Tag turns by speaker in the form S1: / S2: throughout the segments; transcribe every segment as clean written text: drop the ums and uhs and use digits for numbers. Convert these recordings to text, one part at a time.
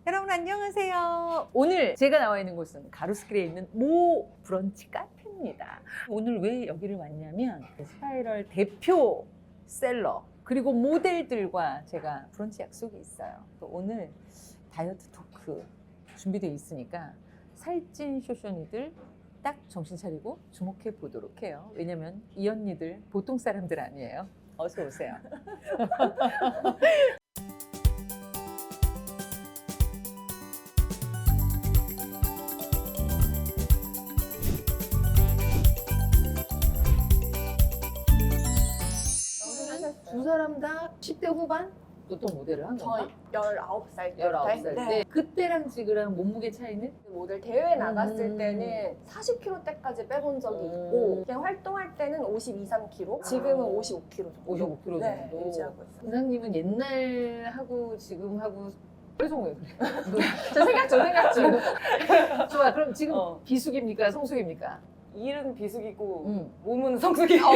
S1: 여러분 안녕하세요. 오늘 제가 나와 있는 곳은 가로수길에 있는 모 브런치 카페입니다. 오늘 왜 여기를 왔냐면 스파이럴 대표 셀러 그리고 모델들과 제가 브런치 약속이 있어요. 오늘 다이어트 토크 준비되어 있으니까 살찐 쇼쇼니들 딱 정신 차리고 주목해 보도록 해요. 왜냐면 이 언니들 보통 사람들 아니에요. 어서 오세요. 두 사람 다 10대 후반? 보통 모델을 한 건가?
S2: 저 19살 때.
S1: 19살 때.
S2: 네.
S1: 그때랑 지금랑 몸무게 차이는?
S2: 모델 대회 나갔을 때는 40kg대까지 빼본 적이 있고 그냥 활동할 때는 52, 3kg 지금은 55kg 정도
S1: 55kg 정도.
S2: 네, 유지하고 있어요.
S1: 부장님은 옛날하고 지금하고 표정 왜 그래?
S2: 저 생각 중
S1: 좋아, 그럼 지금 비숙입니까? 성숙입니까?
S3: 일은 비숙이고
S1: 응.
S3: 몸은 성숙이고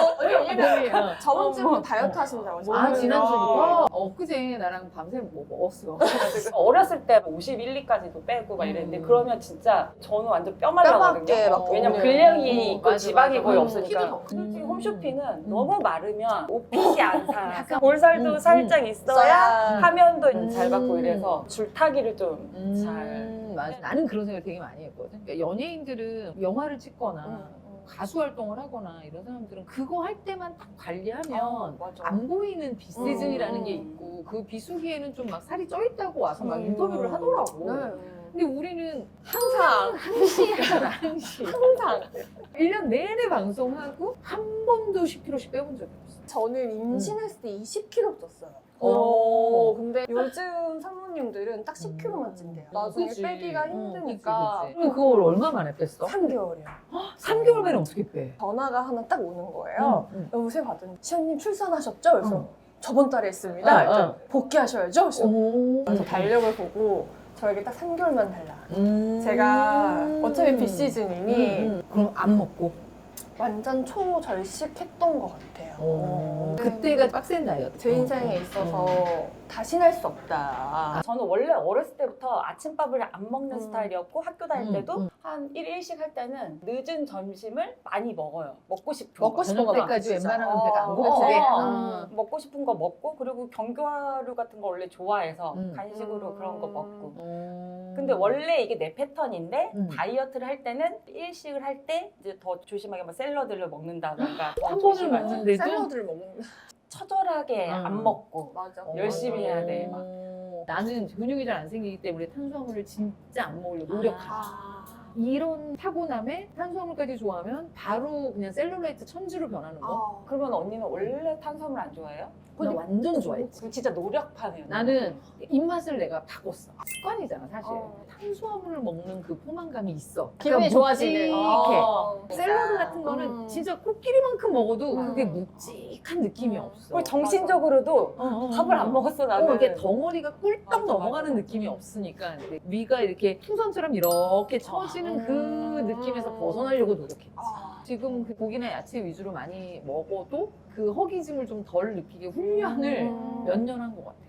S2: 왜냐면 저번 주부터 다이어트 하신다고
S1: 아, 지난주부터?
S2: 어.
S1: 그제 나랑 밤새 뭐 먹었어.
S3: 어렸을 때 51, 2까지도 빼고 막 이랬는데 그러면 진짜 저는 완전 뼈
S2: 뼈밖에
S3: 말라거든요.
S2: 막
S3: 왜냐면
S2: 없네.
S3: 근력이 있고
S1: 맞아,
S3: 지방이
S1: 맞아.
S3: 거의
S1: 키도
S3: 없으니까.
S1: 더 크고.
S3: 솔직히 홈쇼핑은 너무 마르면 옷핏이 안 사.
S1: 약간
S3: 볼살도 살짝 있어야 화면도
S1: 음.
S3: 잘 받고 이래서 줄타기를 좀 잘.
S1: 맞아. 나는 그런 생각을 되게 많이 했거든. 그러니까 연예인들은 영화를 찍거나 가수 활동을 하거나 이런 사람들은 그거 할 때만 딱 관리하면
S2: 맞아.
S1: 안 보이는 비시즌이라는 게 있고 그 비수기에는 좀 막 살이 쪄 있다고 와서 막 인터뷰를 하더라고.
S2: 네.
S1: 근데 우리는
S2: 항상
S1: 항시
S2: 항상
S1: 1년 내내 방송하고 한 번도 10kg씩 빼본 적이 없어.
S2: 저는 임신했을 때 20kg 쪘어요.
S1: 오.
S2: 근데 요즘 사모님들은 딱 10kg만 찐대요. 나중에
S1: 그치.
S2: 빼기가 힘드니까.
S1: 그치. 그럼 그걸 얼마 만에 뺐어?
S2: 3개월이요.
S1: 3개월 만에 어떻게 빼?
S2: 전화가 하나 딱 오는 거예요.
S1: 응.
S2: 여보세요 받더니 시연님 출산하셨죠? 그래서
S1: 응.
S2: 저번 달에 했습니다.
S1: 응, 응.
S2: 복귀하셔야죠? 그래서
S1: 오.
S2: 그래서 달력을 보고 저에게 딱 3개월만 달라. 제가 어차피 비시즌이니
S1: 그럼 안 먹고?
S2: 완전 초절식했던 것 같아요.
S1: 그때가 빡센 다이어트.
S2: 제 인생에 있어서 다시는 할 수 없다.
S3: 저는 원래 어렸을 때부터 아침밥을 안 먹는 스타일이었고 학교 다닐 때도
S1: 음.
S3: 한 1일씩 할 때는 늦은 점심을 많이 먹어요. 먹고 싶은
S2: 먹고
S3: 거.
S2: 싶은 거
S1: 때까지
S2: 진짜.
S1: 웬만하면 배가 안
S2: 어,
S1: 고프게.
S2: 어.
S3: 먹고 싶은 거 먹고 그리고 견과류 같은 거 원래 좋아해서
S1: 음.
S3: 간식으로 그런 거 먹고
S1: 음.
S3: 근데 원래 이게 내 패턴인데
S1: 음.
S3: 다이어트를 할 때는 일식을 할 때 이제 더 조심하게 뭐 샐러드를 먹는다던가 더
S1: 한 번을
S3: 조심하지.
S1: 먹는데도
S2: 샐러드를 먹는
S3: 처절하게
S1: 음.
S3: 안 먹고
S2: 맞아.
S3: 열심히 해야 돼, 막.
S1: 나는 근육이 잘 안 생기기 때문에 탄수화물을 진짜 안 먹으려고 노력하지. 이런 타고남에 탄수화물까지 좋아하면 바로 그냥 셀룰라이트 천지로 변하는 거.
S3: 그러면 언니는 원래 탄수화물 안 좋아해요?
S1: 나 완전 좋아했지.
S3: 그럼 진짜 노력파네요.
S1: 나는 입맛을 내가 바꿨어. 습관이잖아, 사실.
S2: 어.
S1: 탄수화물을 먹는 그 포만감이 있어.
S2: 기분이
S1: 그러니까
S2: 좋아지는.
S1: 묵직해. 샐러드 같은 거는 진짜 코끼리만큼 먹어도 그게
S2: 음.
S1: 묵직한 느낌이 없어.
S3: 그리고 정신적으로 밥을 안 먹었어 나는.
S1: 이게 덩어리가 꿀떡
S3: 맞아,
S1: 넘어가는
S3: 맞아.
S1: 느낌이 없으니까 근데 위가 이렇게 풍선처럼 이렇게 처지는 그 느낌에서 벗어나려고 노력했지. 지금 그 고기나 야채 위주로 많이 먹어도 그 허기짐을 좀 덜 느끼게 훈련을 몇 년 한 것 같아.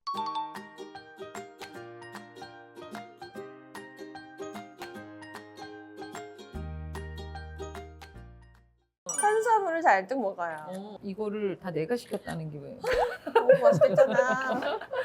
S2: 탄수화물을 잔뜩 먹어요.
S1: 이거를 다 내가 시켰다는 게 왜?
S2: 너무 맛있겠잖아.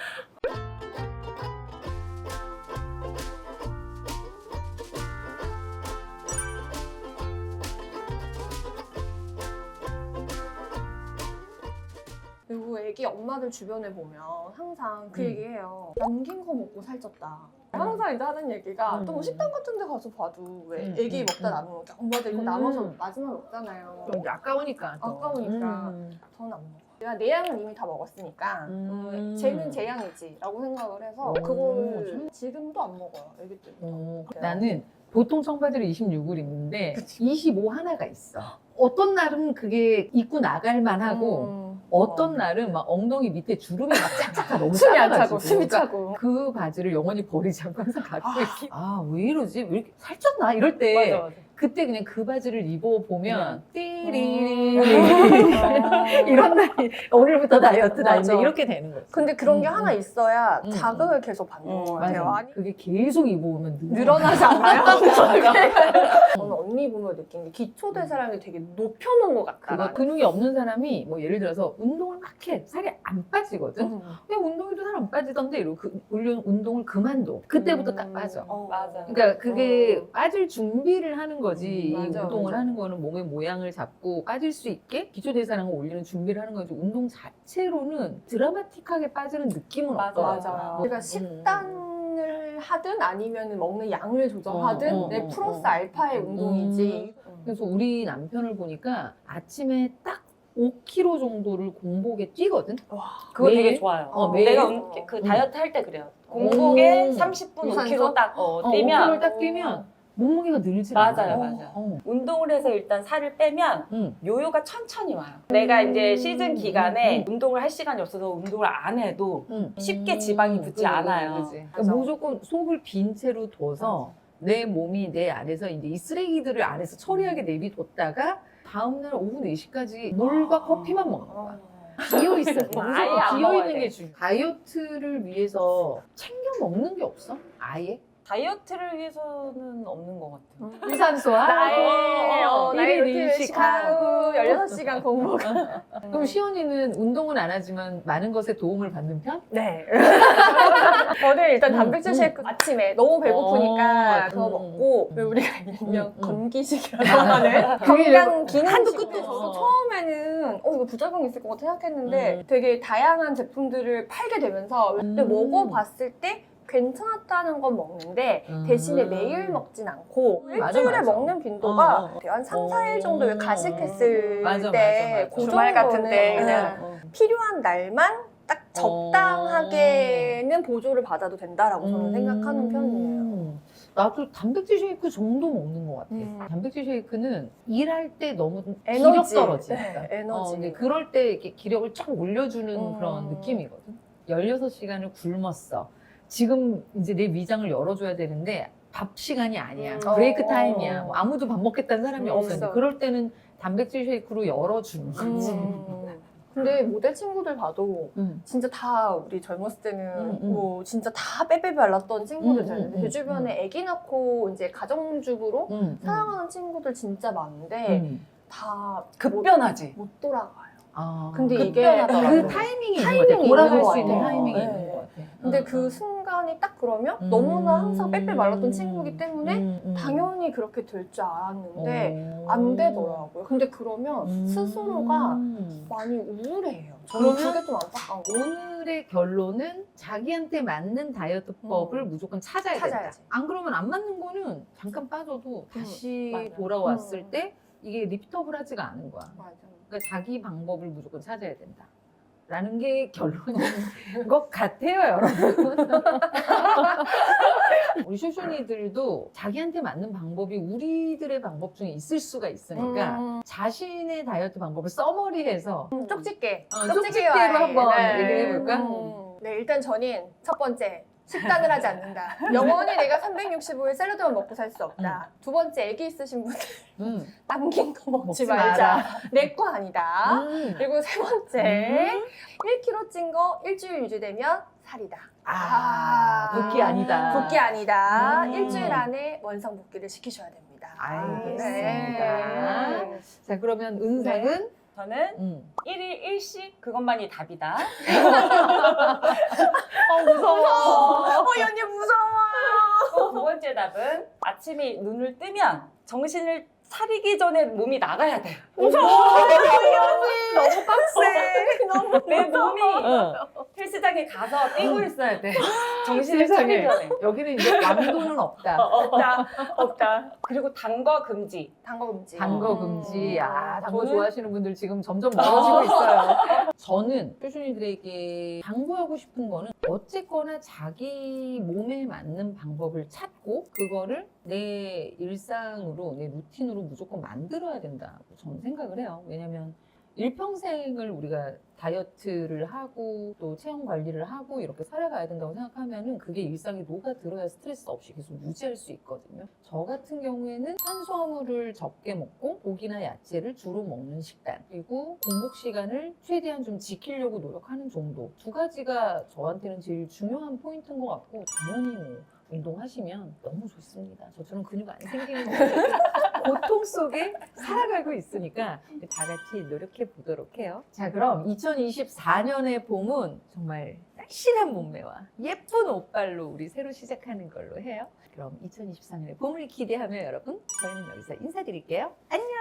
S2: 그리고 애기 엄마들 주변에 보면 항상 그 얘기해요. 남긴 거 먹고 살쪘다. 항상 이제 하는 얘기가 또 뭐 식당 같은 데 가서 봐도 왜 애기 먹다 남은 거 엄마들 이거 남아서 마지막에 먹잖아요.
S1: 좀 아까우니까. 또.
S2: 아까우니까. 저는 안 먹어. 내가 내 양은 이미 다 먹었으니까 쟤는 제 양이지 라고 생각을 해서 그걸 지금도 안 먹어요. 애기 때.
S1: 나는 보통 청바지를 26을 입는데 25 하나가 있어. 어떤 날은 그게 입고 나갈 만하고 어떤 날은 막 엉덩이 밑에 주름이 막 짝짝하고 너무
S2: 숨이 안
S1: 작아가지고.
S2: 차고 숨이
S1: 그러니까
S2: 차고.
S1: 그 바지를 영원히 버리지 않고 항상 갖고 있기. 왜 이러지? 왜 이렇게 살쪘나? 이럴 때
S3: 맞아 맞아.
S1: 그때 그냥 그 바지를 입어보면 띠리리
S2: 아.
S1: 이런 날이 오늘부터 다이어트다
S2: 맞아.
S1: 이제 이렇게 되는 거죠.
S2: 근데 그런 게 하나 있어야
S1: 음,
S2: 자극을 계속 받는 것 같아요.
S1: 맞아.
S2: 아니,
S1: 그게 계속 입어오면
S2: 늘어나지 않나요? 저는 언니 보면 느낀 게 기초대사량이 되게 높여놓은 것 같다.
S1: 그거 근육이 없는 사람이 뭐 예를 들어서 운동을 막 해 살이 안 빠지거든. 그냥 운동해도 살 안 빠지던데 이러고 운동을 그만둬. 그때부터 딱 빠져.
S3: 맞아.
S1: 그러니까 그게 빠질 준비를 하는 거지. 이
S2: 맞아,
S1: 운동을
S2: 맞아.
S1: 하는 거는 몸의 모양을 잡고 빠질 수 있게 기초대사량을 올리는 준비를 하는 거지. 운동 자체로는 드라마틱하게 빠지는 느낌은
S3: 맞아,
S1: 없더라고.
S2: 맞아요. 우리가 식단을 하든 아니면 먹는 양을 조절하든 내 플러스 알파의 운동이지.
S1: 그래서 우리 남편을 보니까 아침에 딱 5kg 정도를 공복에 뛰거든.
S3: 그거
S1: 매일?
S3: 되게 좋아요.
S1: 매일?
S3: 내가 그 다이어트 할 때 그래요. 공복에 30분
S2: 유산소?
S3: 5kg 딱
S1: 5kg를
S3: 뛰면
S1: 딱 뛰면 몸무게가 늘지
S3: 맞아요,
S1: 않아.
S3: 맞아요. 운동을 해서 일단 살을 빼면
S1: 응.
S3: 요요가 천천히 와요. 내가 이제 시즌 기간에 운동을 할 시간이 없어서 운동을 안 해도 쉽게 지방이 붙지 않아요.
S1: 그치.
S2: 맞아.
S1: 무조건 속을 빈 채로 둬서 내 몸이 내 안에서 이제 이 쓰레기들을 안에서 처리하게 내비뒀다가 다음날 오후 4시까지 물과 커피만 먹는 거야. 비어 있어.
S3: 아예 안
S1: 비어
S3: 먹어야
S1: 있는
S3: 돼.
S1: 게 중요해. 다이어트를 위해서 챙겨 먹는 게 없어? 아예?
S3: 다이어트를 위해서는 없는 것 같아요.
S1: 유산소와
S2: 나의
S1: 일일
S2: 루틴을 식하고 16시간 공복.
S1: 그럼 시연이는 운동은 안 하지만 많은 것에 도움을 받는 편?
S2: 네. 저는 일단 단백질 쉐이크 아침에 너무 배고프니까 그거 먹고 왜 우리가 일명 건기식이라고 하는 건강 기능식.
S1: 한도 끝도
S2: 저도
S1: 없어.
S2: 처음에는 이거 부작용이 있을 것 같아 생각했는데 되게 다양한 제품들을 팔게 되면서 그때 먹어봤을 때 괜찮았다는 건 먹는데 대신에 매일 먹진 않고
S1: 맞아,
S2: 일주일에
S1: 맞아.
S2: 먹는 빈도가 한 3, 4일 정도 왜 가식했을
S1: 맞아,
S2: 때
S1: 맞아.
S2: 그
S3: 주말 같은
S2: 정도는
S3: 때
S2: 응.
S3: 그냥
S2: 필요한 날만 딱 적당하게는 보조를 받아도 된다라고 저는 생각하는 편이에요.
S1: 나도 단백질 쉐이크 정도 먹는 것 같아. 단백질 쉐이크는 일할 때 너무
S2: 에너지.
S1: 기력 떨어지니까.
S2: 네, 에너지.
S1: 근데 그럴 때 이렇게 기력을 쫙 올려주는
S2: 음.
S1: 그런 느낌이거든. 16시간을 굶었어. 지금 이제 내 위장을 열어줘야 되는데 밥 시간이 아니야. 브레이크 타임이야. 뭐 아무도 밥 먹겠다는 사람이
S2: 없어.
S1: 없어. 그럴 때는 단백질 쉐이크로 열어주는 거지.
S2: 근데 모델 친구들 봐도 진짜 다 우리 젊었을 때는 뭐 진짜 다 빼빼 발랐던 친구들 있는데 제 주변에 아기 낳고 이제 가정주부로 살아가는 친구들 진짜 많은데 다
S3: 급변하지.
S2: 못 돌아가요.
S1: 아,
S2: 근데 이게
S3: 급변하더라고요.
S1: 그 타이밍이
S2: 타이밍이
S1: 있는 것 같아. 돌아갈
S2: 있는 것
S1: 수 있는
S2: 같아요.
S1: 타이밍이
S2: 네.
S1: 있는 것 같아.
S2: 근데 그 순간이 딱 그러면 너무나 항상 빼빼 말랐던 친구이기 때문에 당연히 그렇게 될 줄 알았는데 안 되더라고요. 근데 그러면 스스로가 많이 우울해요. 저는
S1: 그러면
S2: 그게 좀 안타까운 거.
S1: 오늘의 결론은 자기한테 맞는 다이어트법을 무조건 찾아야 된다.
S2: 찾아야지.
S1: 안 그러면 안 맞는 거는 잠깐 빠져도 다시
S3: 맞아요.
S1: 돌아왔을 때 이게 리피터블 하지가 않은 거야.
S2: 맞아.
S1: 그러니까 자기 방법을 무조건 찾아야 된다. 라는 게 결론인 것 같아요, 여러분. 우리 쇼쇼니들도 자기한테 맞는 방법이 우리들의 방법 중에 있을 수가 있으니까 자신의 다이어트 방법을 써머리해서
S2: 쪽집게.
S1: 쪽집게로 한번 얘기해볼까?
S2: 네, 일단 저는 첫 번째. 식단을 하지 않는다. 영원히 내가 365일 샐러드만 먹고 살 수 없다. 두 번째, 애기 있으신 분들 남긴 거 먹지 말자. 내 거 아니다. 그리고 세 번째, 1kg 찐 거 일주일 유지되면 살이다.
S1: 붓기 아니다.
S2: 붓기 아니다. 일주일 안에 원상 복귀를 시키셔야 됩니다.
S1: 알겠습니다.
S2: 네.
S1: 자, 그러면 은상은?
S3: 저는 1일 1식 그것만이 답이다.
S2: 무서워. 이 언니 무서워.
S3: 또 두 번째 답은 아침에 눈을 뜨면 정신을 차리기 전에 몸이 나가야 돼.
S2: 무서워. 이 언니. 너무 빡세. 너무
S3: 내 몸이 헬스장에 가서 뛰고 있어야 돼. 정신을
S1: 세상에.
S3: 차리기 전에.
S1: 여기는 이제 왕도는 없다.
S2: 없다.
S3: 그리고 단 거 금지.
S2: 단 거 금지.
S1: 단 거 금지. 아, 단 거
S3: 저는-
S1: 좋아하시는 분들 지금 점점 멀어지고 있어요. 저는 쇼쇼니들에게 당부하고 싶은 거는 어쨌거나 자기 몸에 맞는 방법을 찾고 그거를 내 일상으로, 내 루틴으로 무조건 만들어야 된다고 저는 생각을 해요. 왜냐면 일평생을 우리가 다이어트를 하고 또 체형 관리를 하고 이렇게 살아가야 된다고 생각하면은 그게 일상에 녹아들어야 스트레스 없이 계속 유지할 수 있거든요. 저 같은 경우에는 탄수화물을 적게 먹고 고기나 야채를 주로 먹는 식단, 그리고 공복 시간을 최대한 좀 지키려고 노력하는 정도. 두 가지가 저한테는 제일 중요한 포인트인 것 같고, 당연히 뭐 운동하시면 너무 좋습니다. 저처럼 근육 안 생기는 고통 속에 살아가고 있으니까 다 같이 노력해 보도록 해요. 자, 그럼 2024년의 봄은 정말 날씬한 몸매와 예쁜 옷발로 우리 새로 시작하는 걸로 해요. 그럼 2024년의 봄을 기대하며 여러분, 저희는 여기서 인사드릴게요. 안녕!